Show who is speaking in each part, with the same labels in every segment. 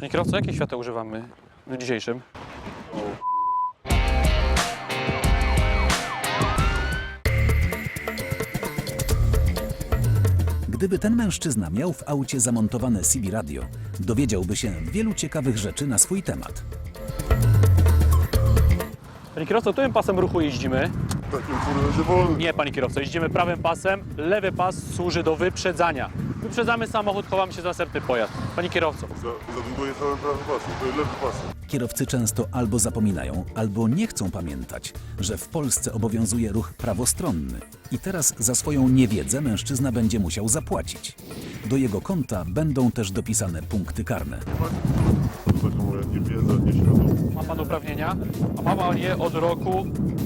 Speaker 1: Panie kierowco, jakie światła używamy w dniu dzisiejszym?
Speaker 2: Gdyby ten mężczyzna miał w aucie zamontowane CB radio, dowiedziałby się wielu ciekawych rzeczy na swój temat.
Speaker 1: Panie kierowco, którym pasem ruchu jeździmy?
Speaker 3: Takim, który będzie wolny.
Speaker 1: Nie, panie kierowco, jeździmy prawym pasem, lewy pas służy do wyprzedzania. Wyprzedzamy samochód, chowamy się za następny pojazd. Panie kierowco.
Speaker 3: Za długo jechałem prawym pasem, to jest lewy pasem.
Speaker 2: Kierowcy często albo zapominają, albo nie chcą pamiętać, że w Polsce obowiązuje ruch prawostronny i teraz za swoją niewiedzę mężczyzna będzie musiał zapłacić. Do jego konta będą też dopisane punkty karne.
Speaker 3: To taka moja niewiedza, nieświadomość.
Speaker 1: Ma pan uprawnienia? A ma pan je od roku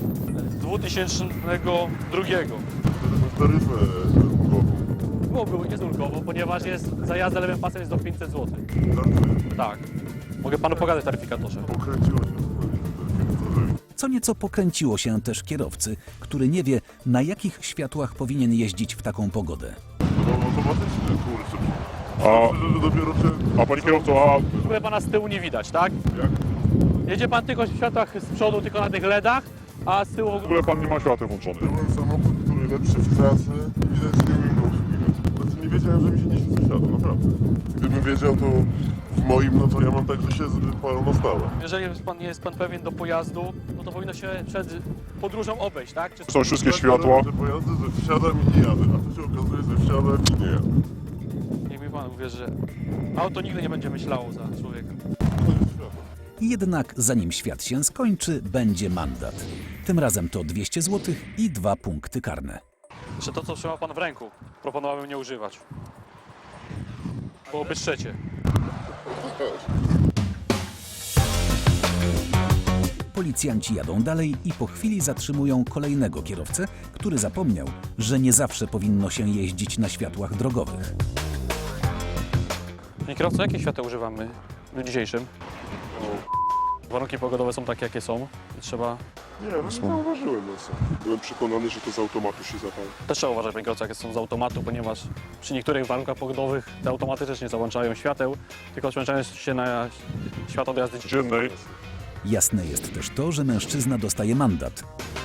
Speaker 1: 2002.
Speaker 3: Taryfę ulgową.
Speaker 1: Byłoby jest ulgowo, ponieważ za jazdę lewym pasem jest do 500 zł. Tak. Mogę panu pokazać w taryfikatorze.
Speaker 3: Pokręciło się.
Speaker 2: Co nieco pokręciło się też kierowcy, który nie wie, na jakich światłach powinien jeździć w taką pogodę.
Speaker 3: No automatycznie, kurczę. Że dopiero czy...
Speaker 4: A panie kierowco,
Speaker 1: W ogóle pana z tyłu nie widać, tak?
Speaker 3: Jak?
Speaker 1: Jedzie pan tylko w światłach z przodu, tylko na tych LEDach, a z tyłu
Speaker 4: w ogóle pan nie ma świateł włączonych.
Speaker 3: Byłem samochód, który lepszy w trasy. Widać, nie umiem go obsługiwać. Znaczy nie wiedziałem, że mi się nie świeci światło, naprawdę. Gdybym wiedział, to w moim, no to ja mam tak, że się palą na stałe.
Speaker 1: Jeżeli nie jest pan pewien do pojazdu, no to powinno się przed podróżą obejść, tak? Czy
Speaker 4: Są wszystkie
Speaker 3: Tak,
Speaker 4: światła.
Speaker 3: Te pojazdy, że wsiadam i nie jadę, a tu się okazuje, że wsiadam i nie jadę.
Speaker 1: niech mi pan uwierzy, że auto nigdy nie będzie myślało za człowieka.
Speaker 3: To jest światło.
Speaker 2: Jednak zanim świat się skończy, będzie mandat. Tym razem to 200 zł i 2 punkty karne.
Speaker 1: Że to, co trzyma pan w ręku, proponowałbym nie używać. Byłoby trzecie.
Speaker 2: Policjanci jadą dalej i po chwili zatrzymują kolejnego kierowcę, który zapomniał, że nie zawsze powinno się jeździć na światłach drogowych.
Speaker 1: Panie kierowco, jakie światła używamy w dniu dzisiejszym? Warunki pogodowe są takie, jakie są. Trzeba...
Speaker 3: Nie, no nie zauważyłem nas. Byłem przekonany, że to z automatu się zapali.
Speaker 1: Też trzeba uważać, panie kierowco, jakie są z automatu, ponieważ przy niektórych warunkach pogodowych te automaty też nie załączają świateł, tylko przełączają się na światło do jazdy
Speaker 4: Dziennej.
Speaker 2: Jasne jest też to, że mężczyzna dostaje mandat.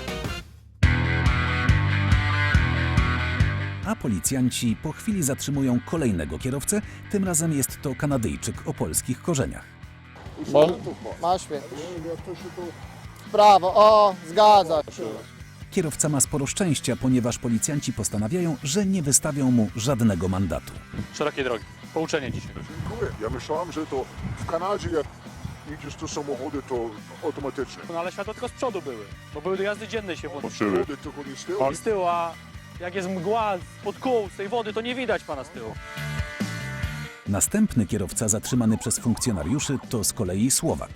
Speaker 2: A policjanci po chwili zatrzymują kolejnego kierowcę, tym razem jest to Kanadyjczyk o polskich korzeniach.
Speaker 5: Masz świetnie. W prawo, o, zgadza się.
Speaker 2: Kierowca ma sporo szczęścia, ponieważ policjanci postanawiają, że nie wystawią mu żadnego mandatu.
Speaker 1: szerokiej drogi. Pouczenie dzisiaj.
Speaker 6: Dziękuję. Ja myślałem, że to w Kanadzie jak idziesz do samochody, to automatycznie.
Speaker 1: No ale światła tylko z przodu były, bo były do jazdy dziennej się włączyły.
Speaker 4: Patrzyły.
Speaker 6: Wody tylko nie z tyłu.
Speaker 1: I z tyłu, a jak jest mgła spod kół, z tej wody, to nie widać pana z tyłu.
Speaker 2: Następny kierowca zatrzymany przez funkcjonariuszy to z kolei Słowak.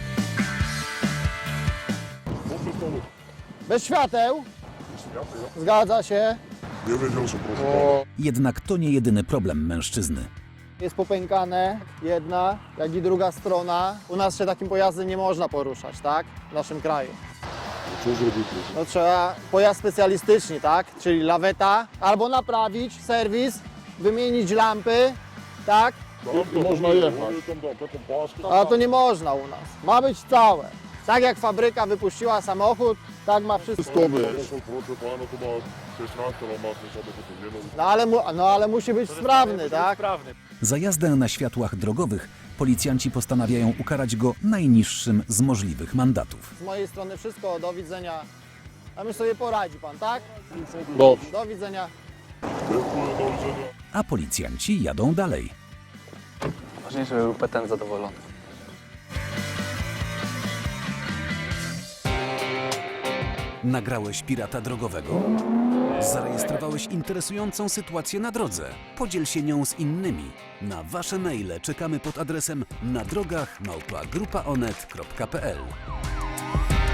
Speaker 5: Bez świateł. Zgadza się.
Speaker 3: Nie wiedział, że proszę.
Speaker 2: Jednak to nie jedyny problem mężczyzny.
Speaker 5: Jest popękane jedna, jak i druga strona. U nas się takim pojazdem nie można poruszać, tak? W naszym kraju.
Speaker 3: Co zrobić?
Speaker 5: No trzeba pojazd specjalistyczny, tak? Czyli laweta, albo naprawić, serwis, wymienić lampy, tak?
Speaker 6: Można jechać.
Speaker 5: A to nie można u nas. Ma być całe. Tak jak fabryka wypuściła samochód, tak ma wszystko.
Speaker 3: Proszę pana, to ma 16 lat, ma samochód, nie no.
Speaker 5: Ale musi być sprawny, tak?
Speaker 1: Sprawny.
Speaker 2: Za jazdę na światłach drogowych policjanci postanawiają ukarać go najniższym z możliwych mandatów.
Speaker 5: Z mojej strony wszystko, do widzenia. A my sobie poradzi pan, tak?
Speaker 6: Dobrze.
Speaker 5: Do widzenia.
Speaker 3: Dziękuję, do widzenia.
Speaker 2: A policjanci jadą dalej.
Speaker 1: Ważniejsze, żeby był petent zadowolony.
Speaker 2: Nagrałeś pirata drogowego? Zarejestrowałeś interesującą sytuację na drodze? Podziel się nią z innymi. Na wasze maile czekamy pod adresem nadrogach@grupaonet.pl.